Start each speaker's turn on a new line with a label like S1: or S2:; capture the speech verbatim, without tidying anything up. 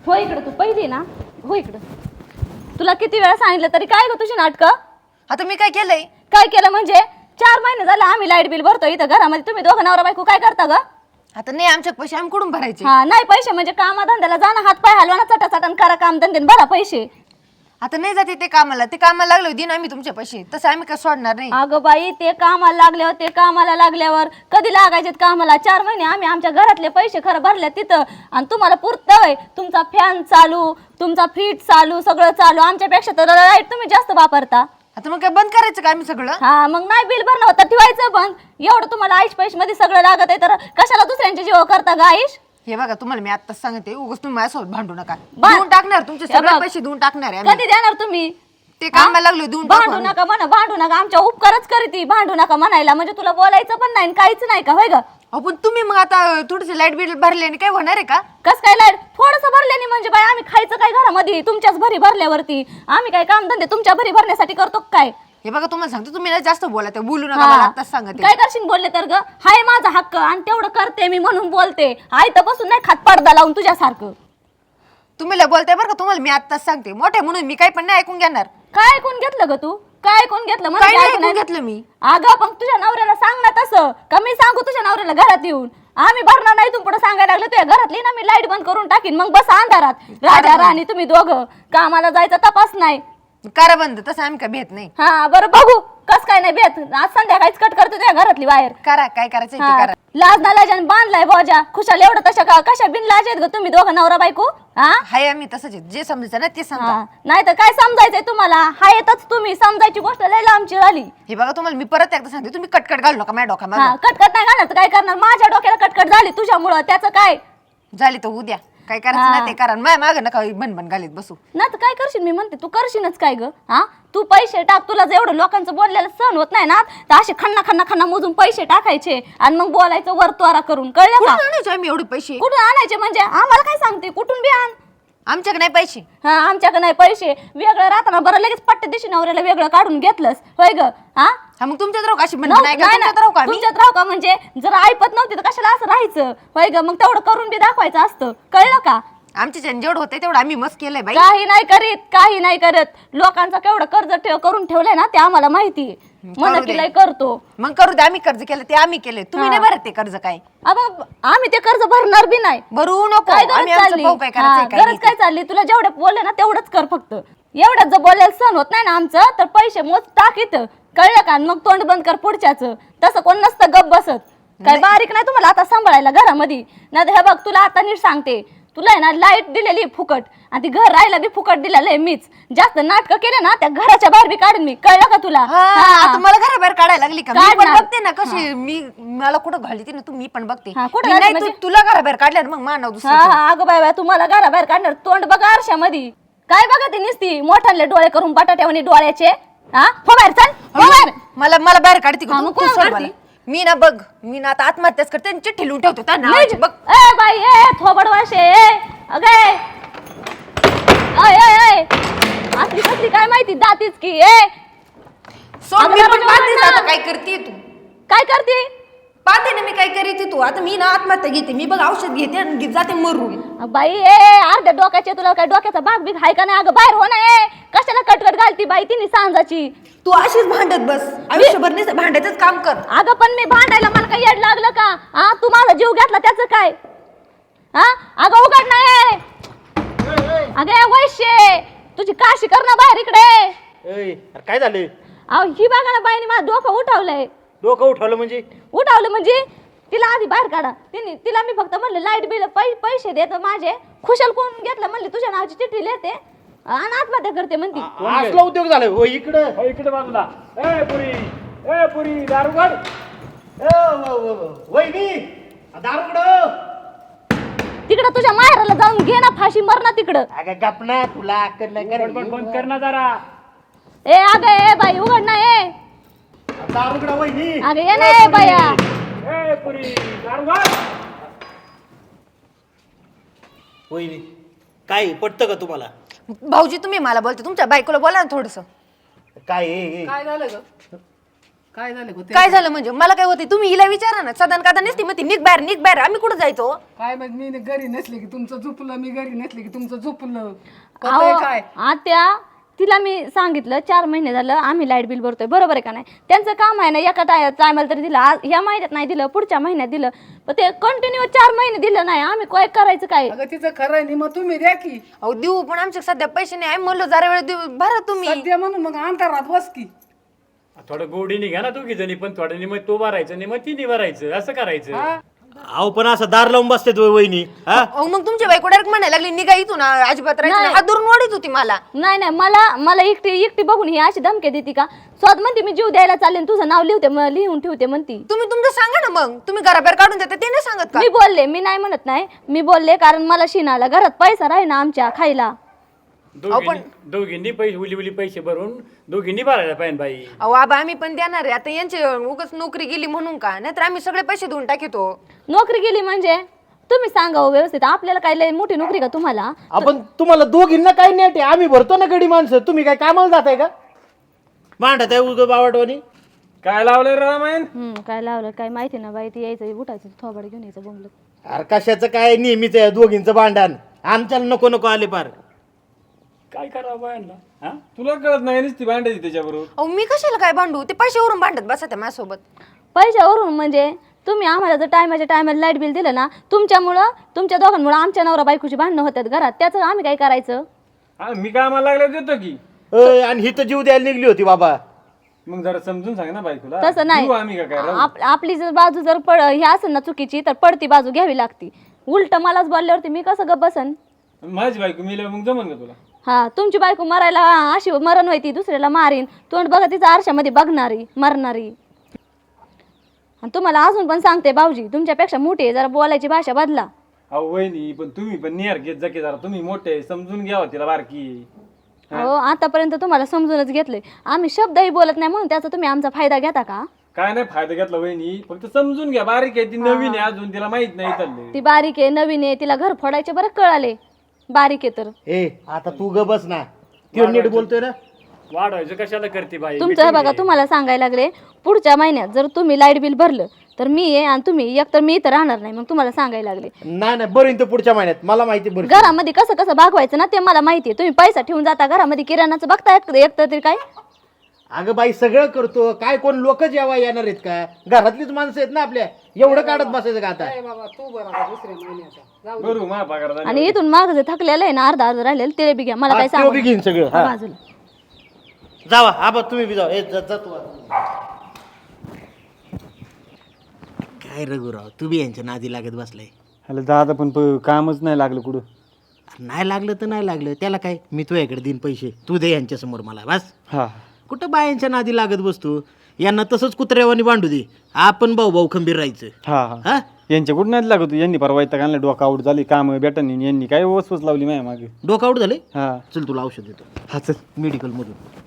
S1: हो इकडं तू पहिली ना हो इकडं. तुला किती वेळा सांगितलं तरी काय ग तुझी नाटकं.
S2: आता मी काय केलंय?
S1: काय केलं म्हणजे चार महिने झाले आम्ही लाईट बिल भरतो इथं घरामध्ये, तुम्ही दोघं नवरा बायको काय करता ग?
S2: आता नाही आमच्या पैसे आम्ही कुठून भरायचे?
S1: हा नाही पैसे म्हणजे कामाधंद्याला जाणं, हात पाय हलवा ना, चटा चटन करा काम धंदे भरा पैसे.
S2: आता नाही जाते ते कामाला, ते कामाला लागलो दिन आम्ही तुमचे पैसे, तसं आम्ही काय सोडणार नाही.
S1: अगं बाई ते कामाला लागल्यावर ते कामाला लागल्यावर कधी लागायचे कामाला? चार महिने आम्ही आमच्या घरातले पैसे खरं भरले तिथं आणि तुम्हाला पुरतंय? तुमचा फॅन चालू, तुमचा फ्रीज चालू, सगळं चालू, आमच्यापेक्षा तर लाईट तुम्ही जास्त वापरता.
S2: आता मग काय बंद करायचं का आम्ही सगळं?
S1: हा मग नाही बिल भरणं होतं ठेवायचं बंद. एवढं तुम्हाला आईश पैसे मध्ये सगळं लागत आहे तर कशाला दुसऱ्यांच्या जीव करता ग आईश?
S2: हे बघा तुम्हाला मी आत्ताच सांगते, उगाच तुम्ही माझ्यासोबत भांडू नका.
S1: बा-
S2: देऊन टाकणार तुमचे
S1: हे
S2: सगळे
S1: बघ,
S2: पैसे देऊन टाकणार आहे आम्ही.
S1: कधी देणार तुम्ही?
S2: ते कामाला लागलो देऊन टाकू
S1: भांडू
S2: आम्ही.
S1: नका म्हणा, भांडू नका, आमच्या उपकारच करीती, भांडू नका म्हणायला म्हणजे तुला बोलायचं पण नाही काहीच नाही का होय ग?
S2: अहो पण तुम्ही मग आता थोडेसे लाईट बिल भरल्याने काय होणार आहे का?
S1: कस काय लाईट थोडंसं भरल्याने म्हणजे बाय आम्ही खायचं काय घरामध्ये तुमच्याच भरी भरल्यावरती? आम्ही काय काम धंदे तुमच्या भरी भरण्यासाठी करतो काय?
S2: हे बघा तुम्हाला सांगतो, तुम्ही ना जास्त बोला, ते बोलू नका,
S1: हा.
S2: मला आत्ताच सांगते.
S1: काय करशील बोलले तर ग? हाय माझा हक्क आणि तेवढं करते मी म्हणून बोलते. आई तर बसून नाही खात पडदा लावून तुझ्यासारखं.
S2: तुम्ही लय बोलताय बरं का, तुम्हाला मी आत्ताच सांगते, मोठे म्हणून मी काही पण नाही ऐकून घेणार.
S1: काय ऐकून घेतलं ग तू? काय ऐकून घेतलं? मला
S2: काय
S1: काय
S2: नाही
S1: ऐकून
S2: ऐकून घेतलं मी?
S1: अगं पण तुझ्या नवऱ्याला सांग ना तसं. का मी सांगू तुझ्या नवऱ्याला घरात येऊन? आम्ही भरणार नाही, तू पुढे सांगायला लागलं तुझ्या घरातली ना मी लाईट बंद करून टाकीन, मग बस अंधारात राजा राणी तुम्ही दोघं. कामाला जायचा तपास नाही.
S2: करा बंद, तसं आम्ही काय भेट नाही.
S1: हा बरं बघू कस काय नाही भेट. आज संध्याकाळीच कट करतो तुझ्या घरातली बाहेर.
S2: करा काय करायचं ते
S1: हा.
S2: करा.
S1: लाज ना लाजान बांधलाय बोजा खुशाल एवढं तशा का कशा बिन लाज आहेत ग तुम्ही दोघं नवरा बायको? हा
S2: हाय आम्ही तसंच आहे. जे समजायचं ना ते समजा.
S1: हा. नाही तर काय समजायचंय तुम्हाला? हा येतच तुम्ही समजायची गोष्ट लय लांबची झाली.
S2: हे बघा तुम्हाला मी परत एकदा सांगते, तुम्ही कटकट घालू नका माझ्या डोक्यामध्ये.
S1: हा कटकट नाही घालणार तर काय करणार? माझ्या डोक्याला कटकट झाली तुझ्यामुळं, त्याचं काय?
S2: झाली तर उद्या काय करायचं ना ते करा, माझ्या मागं नका बनबन घालीत बसू.
S1: नाही तर काय करशील? मी म्हणते तू करशीलच काय ग? हा तू पैसे टाक, तुला जेवढं लोकांचं बोललेलं सहन होत नाही ना तर असे खन्ना खन्ना खन्ना मोजून पैसे टाकायचे आणि मग बोलायचं वरतवारा करून, कळलं
S2: कुठून
S1: का?
S2: आणायचे आम्ही एवढे पैसे?
S1: कुठून आणायचे म्हणजे आम्हाला काय सांगते? कुठून बी आण.
S2: आमच्याकडे नाही पैसे.
S1: हा आमच्याकडे नाही पैसे. वेगळं राहताना बरं लगेच पट्टे दिशी नवऱ्याला वेगळं काढून घेतलंस होय ग? हा
S2: हा मग तुमच्यात राहू का अशी
S1: नव-
S2: बनबन आहे का?
S1: नाही ना,
S2: तुमच्यात राहू का आम्ही?
S1: तुमच्यात राहू का म्हणजे जर ऐपत नव्हती तर कशाला असं राहायचं होय ग? मग तेवढं करून बी दाखवायचं असतं, कळलं का?
S2: आमच्या जेवढं होतंय तेवढं आम्ही मस्त केलंय बाई.
S1: काही नाही करीत, काही नाही करत. लोकांचं केवढं कर्ज ठेव करून ठेवलंय ना ते आम्हाला माहिती. म्हणून
S2: करू दे.
S1: की लय करतो.
S2: मग करू दे, आम्ही कर्ज केलं ते आम्ही केलंय, तुम्ही नाही भरत ते कर्ज. काय
S1: अब आम्ही ते कर्ज भरणार बी नाही.
S2: भरू नको,
S1: काय गरज
S2: आम्ही आमचं
S1: चालली?
S2: पाहू काय
S1: हा,
S2: करायचं काय
S1: गरज
S2: नाही
S1: काय चालली? तुला जेवढं बोलले ना तेवढंच कर फक्त. एवढ्यात जर बोलायला सहन होत नाही ना आमचं तर पैसे मोज टाक इथं, कळलं का? मग तोंड बंद कर पुढच्याच. तसं कोण नसतं गप बसत. काय बारीक नाही तुम्हाला आता सांभाळायला घरामध्ये? नाही हे बघ तुला आता नीट सांगते, तुला आहे ना लाईट दिलेली फुकट आणि ती घर राहायला बी फुकट दिलेलं आहे मीच. जास्त नाटक केले ना त्या घराच्या बाहेर बी काढून मी, कळलं का तुला?
S2: हा,
S1: हा.
S2: आता मला घराबाहेर काढायला लागली का? मी पण
S1: काढणार.
S2: बघते ना कशी मी, मला कुठं घालते ना तू, मी पण बघते.
S1: हा, कुठं
S2: मी
S1: घालते
S2: नाही तू-
S1: म्हणजे?
S2: तुला घराबाहेर काढल्यावर मग मानव
S1: हा
S2: दुसरं.
S1: हा अगं बाय बाय तुम्हाला घराबाहेर काढणार. तोंड बघा आरशामध्ये काय बघा ती निसती मोठाले डोळे करून बटाट्यावानी डोळ्याचे. हा हो बाहेर चल, हो बाहेर.
S2: मला मला बाहेर काढते का
S1: हा,
S2: तू?
S1: मग
S2: तू
S1: कोणाला
S2: सोड
S1: काढती?
S2: मला. मी ना बघ, मी ना आता आत्महत्याच करते आणि चिठ्ठी लिहून ठेवते त्या नावाची. बघ
S1: ए बाई ए थोबड वाशे ए अगे अय अय अय असली कसली काय माहिती दातीच की ए.
S2: सोड,
S1: अगं
S2: मी पण
S1: दरवाजा
S2: पाहतेच
S1: उघड ना.
S2: आता काय करते तू.
S1: काय करते?
S2: पाहते ना मी काय करीते तू. आता मी ना आत्महत्या घेते, मी बघ औषध घेते आणि जाते मरून.
S1: बाई ए अर्ध्या डोक्याचे तुला काय डोक्याचा भाग बिग हाय का नाही? अगं बाहेर हो ना ए. कशाला कटकट घालती बाई तिने सांजाची?
S2: तू अशीच भांडत बस आयुष्यभर नाही भांडायचंच काम कर.
S1: अगं पण मी भांडायला मला काही येड लागलं का? हा तू माझा जीव घेतला त्याचं काय? हा अगं उघड नाही. अगे वैश्य तुझी काशी कर ना बाहेर इकडे.
S3: अय, अरे काय झालं?
S1: अहो ही बघा ना बाईने माझं डोकं उठवलंय.
S3: डोकं उठवलं म्हणजे?
S1: उठवलं म्हणजे तिला आधी बाहेर काढा. तिने तिला मी फक्त म्हणलं लाईट बिल पैसे देतो माझे. खुशाल कोण घेतलं म्हणले तुझ्या नावाची चिठ्ठी लिहिते आणि आत्महत्या करते म्हणती.
S3: असला उद्योग झाला हो इकडं.
S4: हो इकडे बाजूला. ए पुरी, ए पुरी दारुगड.
S3: वहिनी दारुगड.
S1: तिकडं तुझ्या माहेराला जाऊन घे ना फाशी, मर ना तिकडं.
S3: अगं गप ना, तुला अक्कल नाही का रे?
S4: बडबड बंद कर ना जरा.
S1: ए अगं ए बाई उघड ना ए.
S3: दारुगड वहिनी.
S1: अगं ये ना ए बाया.
S4: ए पुरी दारुगड.
S3: वहिनी काय पटतं का तुम्हाला?
S2: भाऊजी तुम्ही मला बोलते, तुमच्या बायकोला बोला ना थोडस.
S3: काय हे- हे?
S2: काय झालं ग?
S5: काय झालं गं ते?
S2: काय झालं म्हणजे मला काय होते तुम्ही हिला विचारा ना सदन कादा नसती मग ती निघ बाहेर निघ बाहेर आम्ही कुठं जायचो
S5: काय म्हणजे मी घरी नसले की तुमचं झोपलं, मी घरी नसले की तुमचं झोपलं.
S1: अहो,
S5: कळतंय काय?
S1: आत्या तिला मी सांगितलं चार महिने झालं आम्ही लाईट बिल भरतोय, बरोबर आहे का नाही? त्यांचं काम आहे ना, एका टायमाला तरी दिलं, आज ह्या महिन्यात नाही दिलं, पुढच्या महिन्यात दिलं, पण ते कंटिन्यू चार महिने दिलं नाही. आम्ही काय करायचं काय?
S5: अगं तिचं खरं आहे मग तुम्ही द्या की
S2: अहो देऊ पण आमच्या सध्या पैसे नाही आम्ही म्हणलो जरा वेळ देऊ भरा तुम्ही
S5: सध्या म्हणून मग अंतरात बस की.
S4: थोडं गोडीने घ्या ना दोघी जणी, पण थोडं निम तो भरायचं निम तिने भरायचं, असं करायचं.
S3: अहो पण असं दार लावून बसते तो वहिनी हा.
S2: अहो मग तुमची बायको डायरेक्ट म्हणायला लागली निघा इथून अजिबात राहायचं नाही. हात धरून ओढीत होती मला
S1: नाही नाही, मला मला एकटी एकटी बघून ही अशी धमकी देते का? स्वतः म्हणते मी जीव द्यायला चालले आणि तुझं नाव लिहते म- लिहून ठेवते म्हणती.
S2: तुम्ही तुमचं सांगा ना मग तुम्ही घराबाहेर काढून देता ते नाही सांगत का
S1: मी बोलले, मी नाही म्हणत नाही, मी बोलले कारण मला शिनाला घरात पैसा राही ना आमच्या खायला.
S4: दोघींनी दोघींनी पैसे उली उली पैसे भरून दोघींनी भरायला पाहिजे बाई.
S2: अहो आबा आम्ही पण देणार आहे आता यांची उगाच नोकरी गेली म्हणून का नाहीतर आम्ही सगळे पैसे देऊन टाकितो
S1: नोकरी गेली म्हणजे तुम्ही सांगा हो व्यवस्थित, आपल्याला काय लय मोठी नोकरी का तुम्हाला?
S3: आपण तुम्हाला दोघींना काही नेट आहे, आम्ही भरतो ना गडी माणसं, तुम्ही काय कामाला जाताय का? भांडत आहे उग बावटवानी.
S4: काय लावलंय रामायण?
S1: हम्म काय लावलं काय माहिती ना बाई, ती यायचं उठायचं थोबाड घेऊन यायचं बोंबलं.
S3: अरे कशाचं काय नेहमीच आहे दोघींचं भांडण, आमच्याला नको नको आले पार.
S4: काय करावं बायांना? हा तुला कळत नाही नुसती भांडायची त्याच्याबरोबर.
S2: अहो मी कशाला काय भांडू ते पैशावरून भांडत बसा त्या माझ्यासोबत
S1: पैशावरून म्हणजे तुम्ही आम्हाला जर टायमाच्या टायमाला लाईट बिल दिलं ना, तुमच्यामुळं तुमच्या दोघांमुळं आमच्या नवरा बायकोची भांडणं होतात घरात, त्याचं आम्ही काय करायचं?
S4: हा मी कामाला लागल्यावर देतो की.
S3: अय, आणि ही तर जीव द्यायला निघली होती बाबा.
S4: मग जरा समजून सांग ना बायकोला.
S1: तसं नाही,
S4: देऊ आम्ही का काय राहू?
S1: आप- आपली जर बाजू जर पड ही असेल ना चुकीची तर पडती बाजू घ्यावी लागती. उलट मलाच बोलल्यावरती मी कसं गप बसन?
S4: माझी बायको मिळाल्यावर मग जमन का तुला?
S1: हा तुमची बायको मरायला अशी मरण व्हायची, दुसऱ्याला मारीन, तोंड बघा तिचा आरशामध्ये बघणारी मरणारी. आणि तुम्हाला अजून पण सांगते भाऊजी तुमच्यापेक्षा मोठी आहे, जरा बोलायची भाषा बदला.
S4: अहो वहिनी पण तुम्ही पण नियर घेत जा की जरा, तुम्ही मोठे समजून घ्यावं तिला बारकी.
S1: हो आतापर्यंत तुम्हाला समजूनच घेतलंय आम्ही, शब्दही बोलत नाही म्हणून त्याचा तुम्ही आमचा फायदा घेता का?
S4: काय नाही फायदा घेतला वहिनी, फक्त समजून घ्या, बारीक आहे ती, नवीन आहे अजून, तिला माहित नाही चालले.
S1: ती बारीक आहे नवीन आहे, तिला घर फोडायचे बरं कळाले, बारीक आहे तर.
S3: ए आता तू ग बस ना, त्यो नीट बोलतोय ना.
S4: वाढवायचं कशाला करते बाई?
S1: तुमचं हे बघा तुम्हाला सांगायला लागले, पुढच्या महिन्यात जर तुम्ही लाईट बिल भरलं तर मी आहे आणि तुम्ही एक तर मी इथं राहणार नाही, मग तुम्हाला सांगायला लागले.
S3: नाही नाही बरं, तर पुढच्या महिन्यात मला माहिती बरं.
S1: घरामध्ये कसं कसं भागवायचं ना ते मला माहिती आहे. तुम्ही पैसा ठेवून जाता घरामध्ये, किराणाचं बघता एक एक तर तरी काय.
S3: अगं बाई सगळं करतो, काय कोण लोक जेव्हा येणार आहेत का? घरातलीच माणसं आहेत ना आपल्या, एवढं काढत बसायचं का आता?
S5: काय बाबा तू बरं आता दुसऱ्या महिन्याचा जाऊ दे.
S4: बरोबर मा पगार झाला.
S1: आणि इथून माग जे थकलेलं आहे ना अर्धा अर्धा राहिलेलं ते बी घ्या, मला काय
S3: हा, त्यो
S1: सांगू
S3: बी घेईन सगळं. हा.
S1: बाजूला.
S3: जावा आबा तुम्ही बी जावा. ए जा जा तू आता. काय रघुराव तू बी यांच्या नादी लागत बसलाय.
S4: हॅलो दादा पण प- कामच नाही लागलं कुठं.
S3: नाही लागलं तर नाही लागलं, त्याला काय, मी तुझ्याकडे देईन पैसे, तू दे यांच्या समोर मला बस.
S4: हा
S3: कुठं बायांच्या नादी लागत बसतो, यांना तसंच कुत्र्यावानी बांधू दे, आपण भाऊ भाऊ खंबीर राहायचं.
S6: हा हा
S3: हा
S6: यांच्या कुठं नाही लागत यांनी परवा इथं आणलं डोका आऊट झाली काम भेटन यांनी काय वसवस लावली माझ्या मागे.
S3: डोकं आउट झाले.
S6: हा
S3: चल तुला औषध देतो
S6: हा चल
S3: मेडिकल मधून.